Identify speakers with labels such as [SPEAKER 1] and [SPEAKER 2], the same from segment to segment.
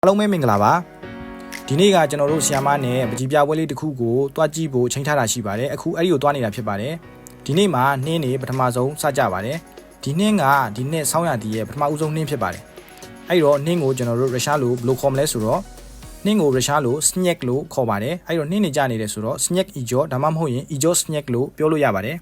[SPEAKER 1] အားလုံးပဲမင်္ဂလာပါဒီနေ့ကကျွန်တော်တို့ဆီယာမနဲ့ပကြီးပြပွဲလေးတစ်ခုကိုတွားကြည့်ဖို့ချိန်ထားတာရှိပါတယ်အခုအဲ့ဒီကိုတွားနေတာဖြစ်ပါတယ်ဒီနေ့မှာနှင်းနေပထမဆုံးစကြပါတယ်ဒီနှင်းကဒီနှစ်ဆောင်းရာသီရဲ့ပထမဦးဆုံးနှင်းဖြစ်ပါတယ်အဲ့တော့နှင်းကိုကျွန်တော်တို့ရုရှားလိုဘယ်လိုခေါ်မလဲဆိုတော့နှင်းကိုရုရှားလို snack လို့ခေါ်ပါတယ်အဲ့တော့နှင်းနေကြနေတယ်ဆိုတော့ snack ijo ဒါမှမဟုတ်ရင် ijo snack လို့ပြောလို့ရပါတယ်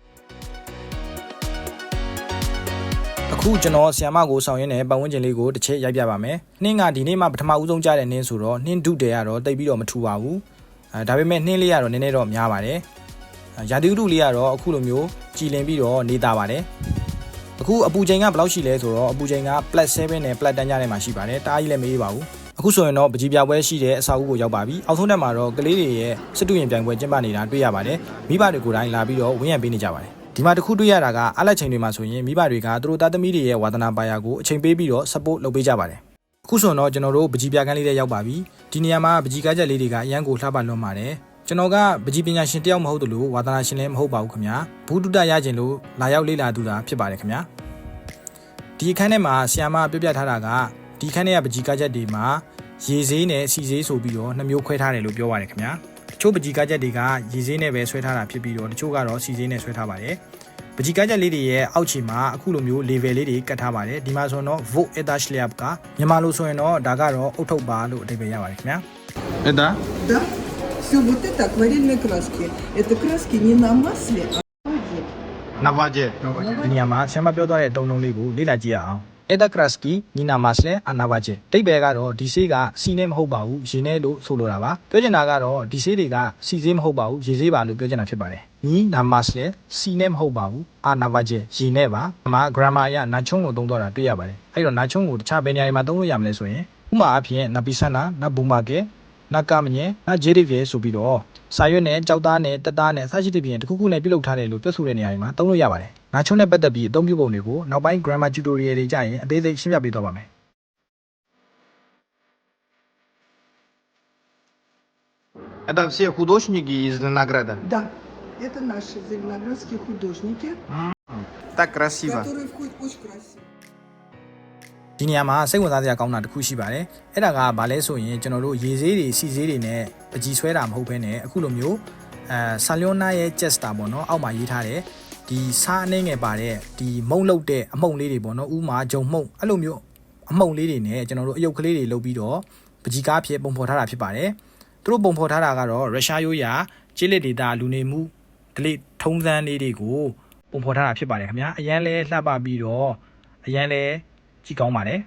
[SPEAKER 1] အခုကျွန်တော်ဆီယာမကိုဆောင်ရင်းနဲ့ပတ်ဝန်းကျင်လေးကိုတစ်ချက်ရိုက်ပြပါမယ်။နှင်းကဒီနေ့မှပထမဦးဆုံးကြားတဲ့နှင်းဆိုတော့နှင်းဒုတယ်ကတော့တိတ်ပြီးတော့မထူပါဘူး။ဒါပေမဲ့နှင်းလေးကတော့နည်းနည်းတော့များပါတယ်။ရာသီဥတုလေးကတော့အခုလိုမျိုးကြည်လင်ပြီးတော့နေတာပါတယ်။အခုအပူချိန်ကဘယ်လောက်ရှိလဲဆိုတော့အပူချိန်က +7 နဲ့ +10 ကြားထဲမှာရှိပါတယ်။တအားကြီးလည်းမအေးပါဘူး။အခုဆိုရင်တော့ပကြီးပြပွဲရှိတဲ့အဆောက်အဦကိုရောက်ပါပြီ။အောက်ဆုံးတက်မှာတော့ကလေးတွေရဲ့စစ်တူရင်ပြိုင်ပွဲကျင်းပနေတာတွေ့ရပါတယ်။မိဘတွေကိုယ်တိုင်လာပြီးတော့ဝန်းရံပေးနေကြပါတယ်။ဒီမှာတခုတွေ့ရတာကအလက်ချိန်တွေမှာဆိုရင်မိဘတွေကသူတို့သားသမီးတွေရဲ့ဝါသနာပါရာကိုအချိန်ပေးပြီးတော့ support လုပ်ပေးကြပါတယ်အခုဆိုတော့ကျွန်တော်တို့ပကြီးပြကန်းလေးတွေရောက်ပါပြီဒီနေရာမှာပကြီးကားချက်လေးတွေကအရန်ကိုလှပလွန်းပါတယ်ကျွန်တော်ကပကြီးပညာရှင်တယောက်မဟုတ်သလိုဝါသနာရှင်လည်းမဟုတ်ပါဘူးခင်ဗျာဘူးတုတရခြင်းလို့လာရောက်လေ့လာသူတာဖြစ်ပါတယ်ခင်ဗျာဒီအခန်းထဲမှာဆီယာမပြပြထားတာကဒီအခန်းထဲကပကြီးကားချက်တွေမှာရေဆေးနဲ့စီဆေးဆိုပြီးတော့နှစ်မျိုးခွဲထားတယ်လို့ပြောပါတယ်ခင်ဗျာတချို့ပကြီးကားချက်တွေကရေဆေးနဲ့ပဲဆွဲထားတာဖြစ်ပြီးတော့တချို့ကတော့စီဆေးနဲ့ဆွဲထားပါတယ်ပကြီးကားချက်လေးတွေရဲ့အောက်ခြေမှာအခုလိုမျိုး level လေးတွေကတ်ထားပါတယ်ဒီမှာဆိုတော့ vote etashliap ကမြန်မာလိုဆိုရင်တော့ဒါကတော့အုတ်ထုတ်ပါလို့အဓိပ္ပာယ်ရပါတယ်ခင်ဗျာ
[SPEAKER 2] Это?
[SPEAKER 3] Да. Все вот это акварельные краски. Это краски не на масле, а на воде.
[SPEAKER 2] На воде.
[SPEAKER 1] ဒီနေရာမှာဆရာမပြောသွားတဲ့အတုံးလုံးလေးကိုလေ့လာကြည့်ရအောင် Eta kraski nina masle anavaje တိတ်ပဲကတော့ဒီဆေးကစီနဲ့မဟုတ်ပါဘူးရေနဲ့လို့ဆိုလိုတာပါပြောချင်တာကတော့ဒီဆေးတွေကစီဆေးမဟုတ်ပါဘူးရေဆေးပါလို့ပြောချင်တာဖြစ်ပါတယ်နီနာမတ်လေစီနဲ့မဟုတ်ပါဘူးအာနာဗဂျေရေနဲ့ပါအမှာ grammar အရနာချုံကိုသုံးတော့တာတွေ့ရပါတယ်အဲ့တော့နာချုံကိုတခြားဘယ်နေရာတွေမှာသုံးလို့ရမလဲဆိုရင်ဥမာအဖြစ်နာပီဆန္နာနာဘူမာကေနာကမညေနာဂျေရီဗီဆိုပြီးတော့စာရွက်နဲ့ကြောက်သားနဲ့တက်သားနဲ့အစရှိတဲ့ပြင်တခုခုနဲ့ပြုလုပ်ထားတယ်လို့ပြောဆိုတဲ့နေရာတွေမှာသုံးလို့ရပါတယ်နာချုံနဲ့ပတ်သက်ပြီးအသုံးပြုပုံတွေကိုနောက်ပိုင်း grammar tutorial တွေကြရင်အသေးစိတ်ရှင်းပြပေးသွားပါမယ်
[SPEAKER 2] Это все художники из Ленограда.
[SPEAKER 3] Да. Это наши зеленоградские художники,
[SPEAKER 2] Так красиво.
[SPEAKER 3] которые входят очень красиво.
[SPEAKER 1] ဒီနေရာမှာစိတ်ဝင်စားစရာကောင်းတာတစ်ခုရှိပါတယ်အဲ့ဒါကဘာလဲဆိုရင်ကျွန်တော်တို့ရေဆေးတွေစီဆေးတွေနဲ့ပကြီးဆွဲတာမဟုတ်ဘဲနဲ့အခုလိုမျိုးဆာလျောနာရဲ့ chester ပေါ့နော်အောက်မှာရေးထားတယ်ဒီစားအနေငယ်ပါတဲ့ဒီမုံလုတ်တဲ့အမှုန့်လေးတွေပေါ့နော်ဥမာဂျုံမှုန့်အဲ့လိုမျိုးအမှုန့်လေးတွေနဲ့ကျွန်တော်တို့အယုတ်ကလေးတွေလုပ်ပြီးတော့ပကြီးကားဖြစ်ပုံဖော်ထားတာဖြစ်ပါတယ်သူတို့ပုံဖော်ထားတာကတော့ရုရှားရိုးရာကျေးလက်ဒေတာလူနေမှုဒလိထုံးစမ်းလေးတွေကိုပုံဖော်ထားတာဖြစ်ပါတယ်ခင်ဗျာအရန်လဲလှပပြီးတော့အရန်လဲကြည့်ကောင်းပါတယ်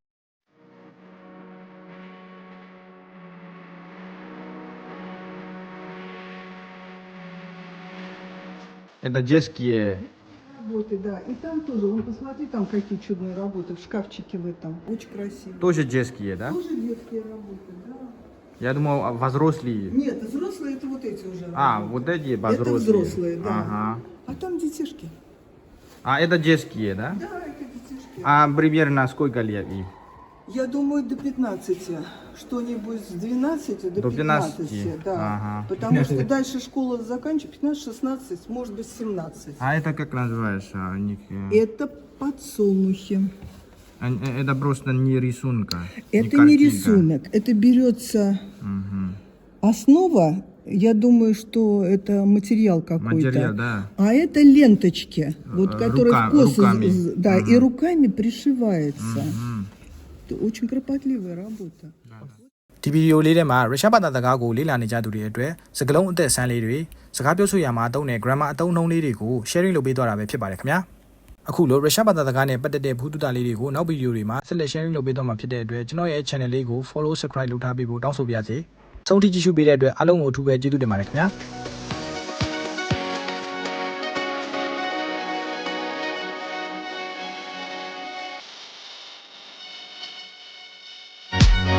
[SPEAKER 2] Это детские.
[SPEAKER 3] Работы, да. И там тоже, вон, посмотри, там какие чудные работы в шкафчике в этом. Очень красиво.
[SPEAKER 2] Тоже детские, да?
[SPEAKER 3] Тоже детские работы, да.
[SPEAKER 2] Я думал, взрослые.
[SPEAKER 3] Нет, взрослые это вот эти уже
[SPEAKER 2] А,
[SPEAKER 3] работы.
[SPEAKER 2] вот эти
[SPEAKER 3] Это
[SPEAKER 2] взрослые.
[SPEAKER 3] взрослые, да.
[SPEAKER 2] Ага.
[SPEAKER 3] А там детишки.
[SPEAKER 2] А это детские, да?
[SPEAKER 3] Да, это детишки.
[SPEAKER 2] А примерно сколько лет им?
[SPEAKER 3] Я думаю, до 15. Что-нибудь с 12 до 15. Да.
[SPEAKER 2] Ага.
[SPEAKER 3] Потому что дальше школа заканчивается 15-16, может быть 17.
[SPEAKER 2] А это как называется у них?
[SPEAKER 3] Это подсолнухи.
[SPEAKER 2] Это просто не рисунка.
[SPEAKER 3] Это не
[SPEAKER 2] картинка.
[SPEAKER 3] рисунок. Это берется
[SPEAKER 2] Мгм.
[SPEAKER 3] основа. Я думаю, что это материал какой-то.
[SPEAKER 2] Материал, да.
[SPEAKER 3] А это ленточки, вот, которые в косы,
[SPEAKER 2] руками.
[SPEAKER 3] да, и
[SPEAKER 2] Мгм.
[SPEAKER 3] руками пришивается.
[SPEAKER 2] Мгм.
[SPEAKER 3] Это очень кропотливая работа.
[SPEAKER 1] ဒီဗီဒီယိုလေးထဲမှာရုရှားဘာသာစကားကိုလေ့လာနေကြသူတွေအတွက်စကားလုံးအသက်ဆန်းလေးတွေစကားပြောဆိုရမှာအသုံးနဲ့ grammar အသုံးအနှုန်းလေးတွေကို sharing လုပ်ပေးသွားတာပဲဖြစ်ပါတယ်ခင်ဗျာအခုလိုရုရှားဘာသာစကားနဲ့ပတ်သက်တဲ့ဘူးတုတလေးတွေကိုနောက်ဗီဒီယိုတွေမှာဆက်လက် sharing လုပ်ပေးသွားမှာဖြစ်တဲ့အတွက်ကျွန်တော်ရဲ့ channel လေးကို follow subscribe လုပ်ထားပေးဖို့တောင်းဆိုပါရစေဆုံးထိကြည့်ရှုပေးတဲ့အတွက်အားလုံးကိုအထူးပဲကျေးဇူးတင်ပါတယ်ခင်ဗျာ